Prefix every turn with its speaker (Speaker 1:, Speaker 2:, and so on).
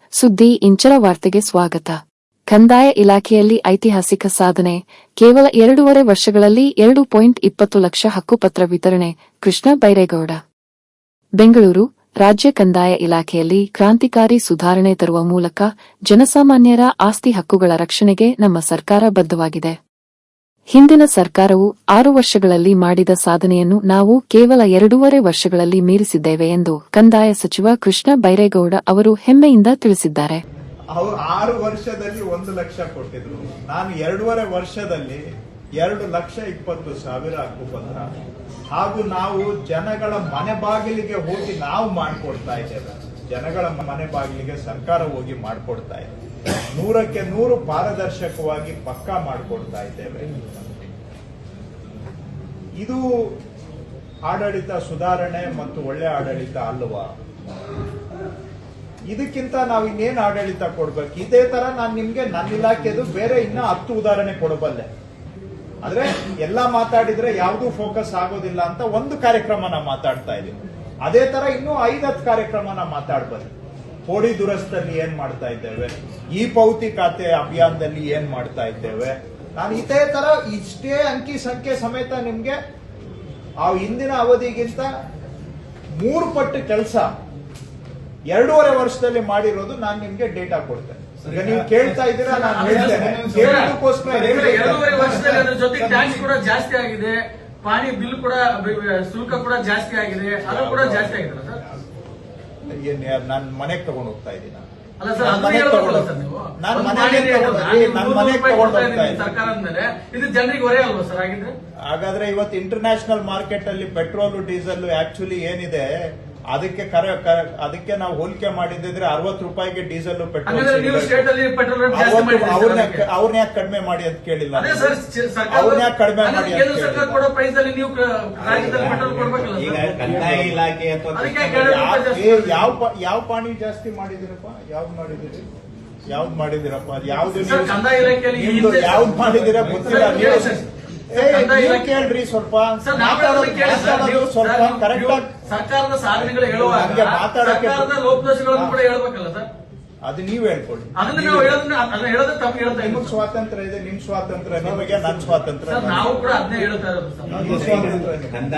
Speaker 1: ಸುದ್ದಿ ಇಂಚರ ವಾರ್ತೆಗೆ ಸ್ವಾಗತ. ಕಂದಾಯ ಇಲಾಖೆಯಲ್ಲಿ ಐತಿಹಾಸಿಕ ಸಾಧನೆ. ಕೇವಲ 2.5 ವರ್ಷಗಳಲ್ಲಿ 2.20 ಲಕ್ಷ ಹಕ್ಕುಪತ್ರ ವಿತರಣೆ. ಕೃಷ್ಣ ಬೈರೇಗೌಡ, ಬೆಂಗಳೂರು. ರಾಜ್ಯ ಕಂದಾಯ ಇಲಾಖೆಯಲ್ಲಿ ಕ್ರಾಂತಿಕಾರಿ ಸುಧಾರಣೆ ತರುವ ಮೂಲಕ ಜನಸಾಮಾನ್ಯರ ಆಸ್ತಿ ಹಕ್ಕುಗಳ ರಕ್ಷಣೆಗೆ ನಮ್ಮ ಸರ್ಕಾರ ಬದ್ಧವಾಗಿದೆ. ಹಿಂದಿನ ಸರ್ಕಾರವು 6 ವರ್ಷಗಳಲ್ಲಿ ಮಾಡಿದ ಸಾಧನೆಯನ್ನು ನಾವು ಕೇವಲ 2.5 ವರ್ಷಗಳಲ್ಲಿ ಮೀರಿಸಿದ್ದೇವೆ ಎಂದು ಕಂದಾಯ ಸಚಿವ ಕೃಷ್ಣ ಬೈರೇಗೌಡ ಅವರು ಹೆಮ್ಮೆಯಿಂದ ತಿಳಿಸಿದ್ದಾರೆ.
Speaker 2: ಅವರು 6 ವರ್ಷದಲ್ಲಿ 1 ಲಕ್ಷ ಕೊಟ್ಟಿದ್ರು. ನಾನು 2.5 ವರ್ಷದಲ್ಲಿ 2,20,000 ಹಕ್ಕುಪತ್ರ ಹಾಗೂ ನಾವು ಜನಗಳ ಮನೆ ಬಾಗಿಲಿಗೆ ಹೋಗಿ ನಾವು ಮಾಡಿಕೊಡ್ತಾ ಇದ್ದೇವೆ. ಜನಗಳ ಮನೆ ಬಾಗಿಲಿಗೆ ಸರ್ಕಾರ ಹೋಗಿ ಮಾಡಿಕೊಡ್ತಾ ಇದೆ. 100ಕ್ಕೆ 100 ಪಾರದರ್ಶಕವಾಗಿ ಪಕ್ಕಾ ಮಾಡಿಕೊಡ್ತಾ ಇದ್ದೇವೆ. ಇದು ಆಡಳಿತ ಸುಧಾರಣೆ ಮತ್ತು ಒಳ್ಳೆ ಆಡಳಿತ ಅಲ್ವಾ? ಇದಕ್ಕಿಂತ ನಾವು ಇನ್ನೇನು ಆಡಳಿತ ಕೊಡ್ಬೇಕು? ಇದೇ ತರ ನಾನು ನಿಮ್ಗೆ ನನ್ನ ಇಲಾಖೆದು ಬೇರೆ ಇನ್ನ 10 ಉದಾಹರಣೆ ಕೊಡಬಲ್ಲೆ. ಆದ್ರೆ ಎಲ್ಲಾ ಮಾತಾಡಿದ್ರೆ ಯಾವ್ದು ಫೋಕಸ್ ಆಗೋದಿಲ್ಲ ಅಂತ ಒಂದು ಕಾರ್ಯಕ್ರಮನ ಮಾತಾಡ್ತಾ ಇದೀವಿ. ಅದೇ ತರ ಇನ್ನೂ 5-10 ಕಾರ್ಯಕ್ರಮನ ಮಾತಾಡ್ಬಲ್ಲೆ. ಕೋಡಿ ದುರಸ್ತಿಯಲ್ಲಿ ಏನ್ ಮಾಡ್ತಾ ಇದ್ದೇವೆ, ಈ ಪೌತಿ ಖಾತೆ ಅಭಿಯಾನದಲ್ಲಿ ಏನ್ ಮಾಡ್ತಾ ಇದ್ದೇವೆ. ನಾನು ಇದೇ ತರ ಇಷ್ಟೇ ಅಂಕಿ ಸಂಖ್ಯೆ ಸಮೇತ ನಿಮ್ಗೆ ಆ ಹಿಂದಿನ ಅವಧಿಗಿಂತ 3 ಪಟ್ಟು ಕೆಲಸ 2.5 ವರ್ಷದಲ್ಲಿ ಮಾಡಿರೋದು ನಾನು ನಿಮ್ಗೆ ಡೇಟಾ ಕೊಡ್ತೇನೆ. ಈಗ ನೀವು ಕೇಳ್ತಾ ಇದ್ದೀರಾ, ನಾನು ಹೇಳ್ತೇನೆ. ಕೇಳೋದಕ್ಕೋಸ್ಕರ
Speaker 3: 2.5 ವರ್ಷದಲ್ಲಿ ಅದ್ರ ಜೊತೆ ಟ್ಯಾಕ್ಸ್ ಕೂಡ ಜಾಸ್ತಿ ಆಗಿದೆ, ಪಾನಿ ಬಿಲ್ ಕೂಡ ಶುಲ್ಕ ಕೂಡ ಜಾಸ್ತಿ ಆಗಿದೆ, ಅದು ಕೂಡ ಜಾಸ್ತಿ ಆಗಿದೆ ಸರ್.
Speaker 2: ನಾನು ಮನೆಗೆ ತಗೊಂಡು ಹೋಗ್ತಾ ಇದ್ದೀನಿ.
Speaker 3: ಅಲ್ಲ ಸರ್, ಅದು ಹೇಳ್ಬೇಕಲ್ಲ ಸರ್ ನೀವು.
Speaker 2: ನಾನು ಮನೆಗೆ ತಗೊಂಡು ಹೋಗ್ತಾ ಇದ್ದೀನಿ
Speaker 3: ಸರ್ಕಾರ ಅಂದ್ಮೇಲೆ ಇದು ಜನರಿಗೆ ಹೊರೆ ಅಲ್ವಾ ಸರ್? ಆಗಿದ್ರೆ
Speaker 2: ಹಾಗಾದ್ರೆ ಇವತ್ತು ಇಂಟರ್ನ್ಯಾಷನಲ್ ಮಾರ್ಕೆಟ್ ಅಲ್ಲಿ ಪೆಟ್ರೋಲ್ ಡೀಸೆಲ್ ಆಕ್ಚುಲಿ ಏನಿದೆ ಅದಕ್ಕೆ ನಾವು ಹೋಲಿಕೆ ಮಾಡಿದ್ರೆ 60 ರೂಪಾಯಿಗೆ ಡೀಸೆಲ್ ಪೆಟ್ರೋಲ್ ಅವ್ರನ್ನ ಯಾಕೆ ಕಡಿಮೆ ಮಾಡಿ ಅಂತ ಕೇಳಿಲ್ಲ? ಅವ್ರನ್ನ ಯಾಕೆ ಕಡಿಮೆ ಮಾಡಿ ಅಂತ ಯಾವ ಪಾಣಿ ಜಾಸ್ತಿ ಮಾಡಿದಿರಪ್ಪ? ಯಾವ್ದು ಮಾಡಿದಿರಿ? ಯಾವ್ದು ಮಾಡಿದಿರಪ್ಪ? ಯಾವ್ದು ಮಾಡಿದಿರ ಗೊತ್ತಿಲ್ಲ. ಕೇಳ್ರಿ ಸ್ವಲ್ಪ ಸ್ವಲ್ಪ ಕರೆಕ್ಟ್ ಆಗಿ
Speaker 3: ಸರ್ಕಾರದ ಸಾಧನೆಗಳು ಹೇಳುವಾಗ ಸರ್ಕಾರದ ಲೋಪದೋಷಗಳನ್ನು ಕೂಡ ಹೇಳ್ಬೇಕಲ್ಲ ಸರ್?
Speaker 2: ಅದು ನೀವ್ ಹೇಳ್ಕೊಳ್ಳಿ.
Speaker 3: ಅದನ್ನ ನಾವು ಹೇಳೋದು ತಪ್ಪು ಹೇಳ್ತಾ
Speaker 2: ನಿಮ್ಗೆ ಸ್ವಾತಂತ್ರ್ಯ ಇದೆ, ನಿಮ್ ಸ್ವಾತಂತ್ರ್ಯ ನಿಮಗೆ, ನನ್ನ ಸ್ವಾತಂತ್ರ್ಯ
Speaker 3: ನಾವು ಕೂಡ ಅದನ್ನೇ ಹೇಳ್ತಾ ಇರೋದು ಸರ್.